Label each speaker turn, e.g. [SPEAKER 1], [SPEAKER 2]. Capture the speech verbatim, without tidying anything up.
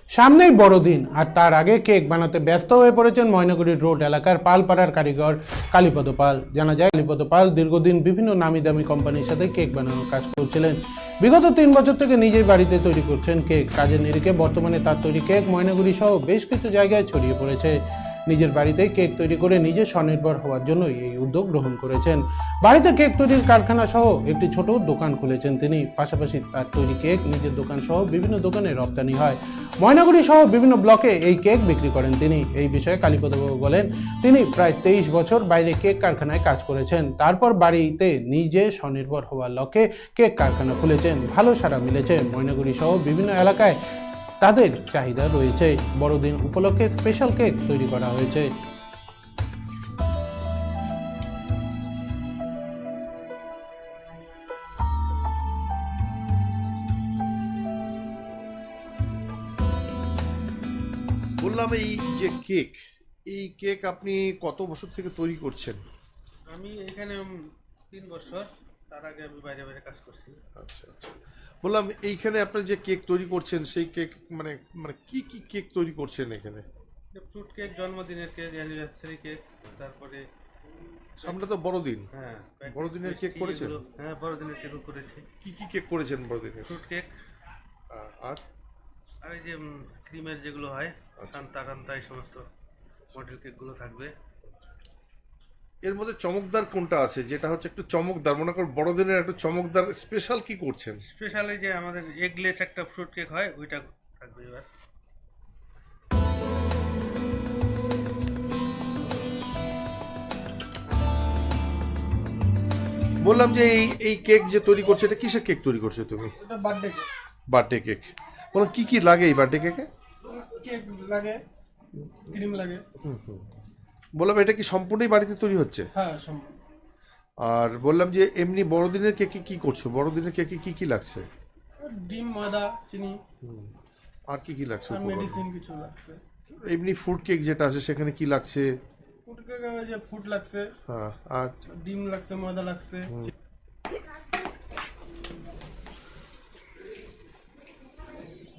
[SPEAKER 1] সামনেই বড়দিন, আর তার আগে কেক বানাতে ব্যস্ত হয়ে পড়েছেন ময়নাগুড়ি রোড এলাকার পালপাড়ার কারিগর কালীপদ পাল। জানা যায়, কালীপদ পাল দীর্ঘদিন বিভিন্ন নামি দামি কোম্পানির সাথে কেক বানানোর কাজ করছিলেন। বিগত তিন বছর থেকে নিজেই বাড়িতে তৈরি করছেন কেক। কাজের নিরিখে বর্তমানে তার তৈরি কেক ময়নাগুড়ি সহ বেশ কিছু জায়গায় ছড়িয়ে পড়েছে। নিজের বাড়িতেই কেক তৈরি করে নিজে স্বনির্ভর হওয়ার জন্যই এই উদ্যোগ গ্রহণ করেছেন। বাড়িতে কেক তৈরির কারখানা সহ একটি ছোট দোকান খুলেছেন তিনি। পাশাপাশি তার তৈরি কেক নিজের দোকান সহ বিভিন্ন দোকানে রপ্তানি হয়। ময়নাগুড়ি সহ বিভিন্ন ব্লকে এই কেক বিক্রি করেন তিনি। এই বিষয়ে কালীপদবাবু বলেন, তিনি প্রায় তেইশ বছর বাইরে কেক কারখানায় কাজ করেছেন, তারপর বাড়িতে নিজে স্বনির্ভর হওয়ার লক্ষ্যে কেক কারখানা খুলেছেন। ভালো সাড়া মিলেছে। ময়নাগুড়ি সহ বিভিন্ন এলাকায় তাদের চাহিদা রয়েছে। বড়দিন উপলক্ষে স্পেশাল কেক তৈরি করা হয়েছে।
[SPEAKER 2] বললাম এই যে কেক, এই কেক আপনি কত বছর থেকে তৈরি করছেন?
[SPEAKER 3] আমি এখানে তিন বছর, তার আগে আমি বাইরে বাইরে কাজ করছি।
[SPEAKER 2] আচ্ছা আচ্ছা, বললাম এইখানে আপনি যে কেক তৈরি করছেন সেই কেক মানে মানে কি কি কেক তৈরি করছেন এখানে?
[SPEAKER 3] ফ্রুট কেক, জন্মদিনের কেক, অ্যানিভার্সারি কেক, তারপরে
[SPEAKER 2] সামনে তো বড়দিন।
[SPEAKER 3] হ্যাঁ
[SPEAKER 2] বড়দিনের কেক করেছেন?
[SPEAKER 3] এগুলো- হ্যাঁ বড়দিনের কেকও করেছি।
[SPEAKER 2] কি কি কেক করেছেন বড়দিনের?
[SPEAKER 3] ফ্রুট কেক
[SPEAKER 2] আ- আর
[SPEAKER 3] আর এই যে উম, ক্রিমের যেগুলো হয়, সান্তা টান্তা, এই সমস্ত মডেল কেকগুলো থাকবে।
[SPEAKER 2] এর মধ্যে চমকদার কোনটা আছে, যেটা হচ্ছে একটু চমকদার, মনে কর বড়দিনের একটু চমকদার স্পেশাল কি করছেন?
[SPEAKER 3] স্পেশালি যে আমাদের এগলেস একটা ফ্রুট কেক হয়, ওইটা থাকবে এবার।
[SPEAKER 2] বললাম যে এই এই কেক যে তৈরি করছে, এটা কিসের কেক তৈরি করছো তুমি?
[SPEAKER 4] এটা বার্থডে কেক।
[SPEAKER 2] Birthday cake. বললাম কি কি লাগে এই বার্থডে কেকে?
[SPEAKER 4] কেক লাগে, ক্রিম লাগে।
[SPEAKER 2] বললাম এটা কি সম্পূর্ণই বাড়িতে তৈরি হচ্ছে?
[SPEAKER 4] হ্যাঁ সম্ভব।
[SPEAKER 2] আর বললাম যে এমনি বড়দিনের কেকে কি করছো? বড়দিনের কেকে কি কি লাগছে?
[SPEAKER 4] ডিম, ময়দা, চিনি
[SPEAKER 2] আর কি কি লাগছে
[SPEAKER 4] আর
[SPEAKER 2] উপকরণ?
[SPEAKER 4] মেডিসিন কিছু লাগছে।
[SPEAKER 2] এমনি ফুড কেক যেটা আছে সেখানে কি লাগছে?
[SPEAKER 4] ফুড কেক যে ফুড লাগছে,
[SPEAKER 2] হ্যাঁ, আর
[SPEAKER 4] ডিম লাগছে, ময়দা লাগছে।